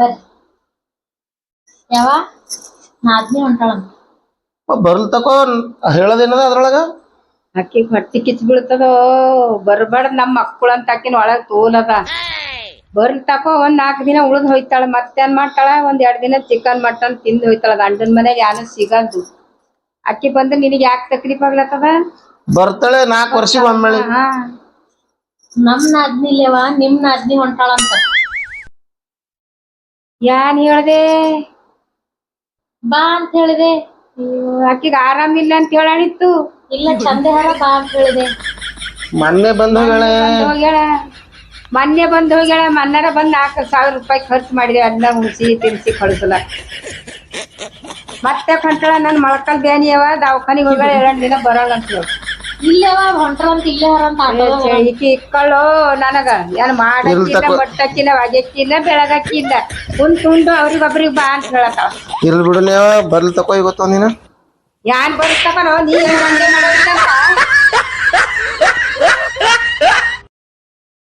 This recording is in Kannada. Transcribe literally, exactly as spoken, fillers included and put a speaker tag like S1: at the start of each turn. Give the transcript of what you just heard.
S1: ಬರ್ರಿ ಯಾವ ನಾದ್ನಿ ಹೊಂಟಾಳಂತ
S2: ಬರ್ಲ್ ತಕೋ ಹೇಳೋದೇನದ ಅದ್ರೊಳಗ
S3: ಅಕ್ಕಿ ಹೊಟ್ಟಿ ಕಿಚ್ ಬೀಳ್ತದೋ ಬರ್ಬಾರ್ದ್ ನಮ್ ಮಕ್ಕಳು ಅಂತ ಅಕ್ಕಿನ ಒಳಗ್ ತೋಲದ ಬರ್ಲ್ ತಕೋ ಒಂದ್ ನಾಲ್ಕ್ ದಿನ ಉಳ್ದ್ ಹೋಯ್ತಾಳ ಮತ್ತೇನ್ ಮಾಡ್ತಾಳ ಒಂದ್ ಎರಡ್ ದಿನ ಚಿಕನ್ ಮಟನ್ ತಿಂದ್ ಹೋಯ್ತಾಳ ಗಂಡನ್ ಮನೆಗ್ ಯಾನು ಸಿಗಲ್ದು ಅಕ್ಕಿ ಬಂದ್ರೆ ನಿನಗ್ ಯಾಕೆ ತಕ್ಲೀಫ್ ಆಗ್ಲತ್ತದ
S2: ಬರ್ತಾಳೆ ನಾಲ್ಕು ವರ್ಷಕ್ಕೆ ಒಮ್ಮೆಳಿ
S3: ಹಾ
S1: ನಮ್ ನಾದ್ನಿಲೇವ ನಿಮ್ ನಾದ್ನಿ ಹೊಂಟಾಳಂತ
S3: ಯಾನ್ ಹೇಳ್ದೆ
S1: ಬಾ ಅಂತ ಹೇಳಿದೆ
S3: ಆಕಿಗ್ ಆರಾಮಿಲ್ಲ ಅಂತ ಹೇಳಾಣಿತ್ತು
S1: ಇಲ್ಲ ಚಂದೇಹಾರ ಬಾ ಅಂತ ಹೇಳಿದೆ
S2: ಮೊನ್ನೆ ಬಂದ ಹೋಗ್ಯಾಳೆ
S3: ಬಂದ್ ಹೋಗ್ಯಾಳ ಮೊನ್ನೆ ಬಂದ್ ಹೋಗ್ಯಾಳ ಮನ್ನಾರ ಬಂದ್ ನಾಲ್ಕು ಸಾವಿರ ರೂಪಾಯಿ ಖರ್ಚು ಮಾಡಿದೆ ಅದನ್ನ ಉಣಿಸಿ ತಿನ್ಸಿ ಕಳಿಸಲ ಮತ್ತೆ ಹೊಂಟಾಳ ನನ್ ಮೊಳಕಲ್ ಬ್ಯಾನಿಯವ ದವಾಖಾನಿಗೆ ಹೋಗ್ಯಾಳ ಎರಡ್ ದಿನ ಬರೋಲ್ಲ ಅಂತ ಹೇಳಿ
S1: ಇಲ್ಲೇವ ಹೊಂಟ್ರಂತ ಇಲ್ಲೇ ಹರಂತ ಆಟೋ
S3: ಈಕಿ ಇಕ್ಕಳು ನನಗ ಏನ್ ಮಾಡಕ್ಕಿಲ್ಲ ಮೊಟ್ಟಕ್ಕಿಲ್ಲ ಒಗೆಕ್ಕಿಲ್ಲ ಬೆಳಗಕ್ಕಿಲ್ಲ ಕುಂತ್ ಉಂಡು ಅವ್ರಿಗೊಬ್ರಿಗೆ ಬಾ ಅಂತ ಹೇಳತ್ತಾಳ
S2: ಇರ್ಲಿ ಬಿಡು ನೀವ ಬರ್ಲ್ ತಕೋ ಇವತ್ತು ಒಂದಿನ
S3: ಯಾನ್ ಬರುತ್ತಕನೋ ನೀ ಏನ್ ದಂಧೆ ಮಾಡೋದಿಲ್ಲ